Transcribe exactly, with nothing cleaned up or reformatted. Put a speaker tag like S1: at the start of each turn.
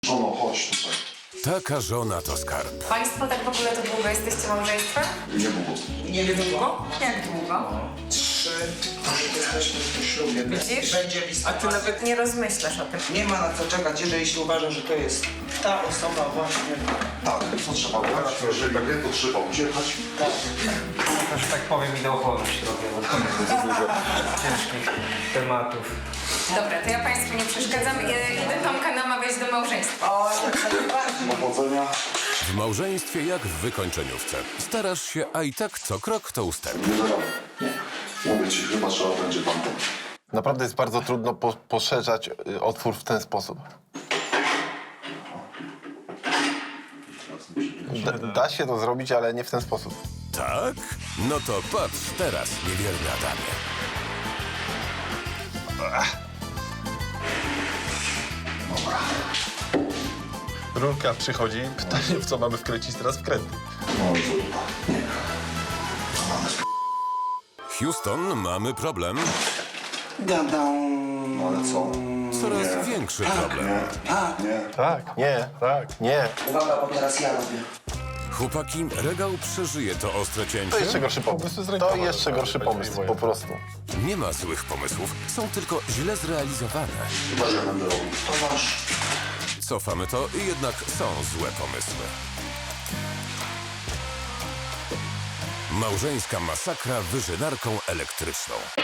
S1: Żono, chodź tutaj.
S2: Taka żona to skarb.
S3: Państwo tak w ogóle to długo jesteście małżeństwem?
S1: Nie było.
S3: Nie długo? Jak długo?
S4: Trzy, jesteśmy w ślubie.
S3: Widzisz?
S4: Będzie
S3: A
S4: listopad.
S3: ty nawet nie rozmyślasz o tym.
S4: Nie ma na co czekać, jeżeli się uważa, że to jest ta osoba właśnie.
S1: Tak, co trzeba brać? Jeżeli tak nie, to trzeba uciekać.
S5: To, że tak powiem, ideochłonność robię, bo to ciężkich tematów.
S3: Dobra, to ja Państwu nie przeszkadzam. I- Idę Tomka namawiać do małżeństwa.
S4: O, tak najbardziej.
S1: Powodzenia.
S2: W małżeństwie jak w wykończeniówce. Starasz się, a i tak co krok to ustęp.
S1: Nie zaradam. Nie. Mówię ci, chyba trzeba będzie tamto.
S6: Naprawdę jest bardzo trudno po, poszerzać y, otwór w ten sposób. Da, da się to zrobić, ale nie w ten sposób.
S2: Tak? No to patrz teraz, niewierny Adamie.
S6: Rurka przychodzi, pytanie, w co mamy wkręcić teraz wkręty.
S1: No i zrób. Nie. To mamy sp...
S2: Houston, mamy problem.
S4: Gadam.
S1: No ale co?
S2: Coraz większy problem.
S4: A,
S1: Nie.
S6: Tak, nie, tak, nie.
S4: uwaga, bo teraz ja robię.
S2: Chłopaki, regał przeżyje to ostre
S6: To
S2: cięcie.
S6: jeszcze gorszy pomysł. To jeszcze gorszy pomysł, po prostu.
S2: Nie ma złych pomysłów, są tylko źle zrealizowane.
S1: Chyba, że będę robił.
S4: To masz.
S2: Cofamy to i jednak są złe pomysły. Małżeńska masakra wyżynarką elektryczną.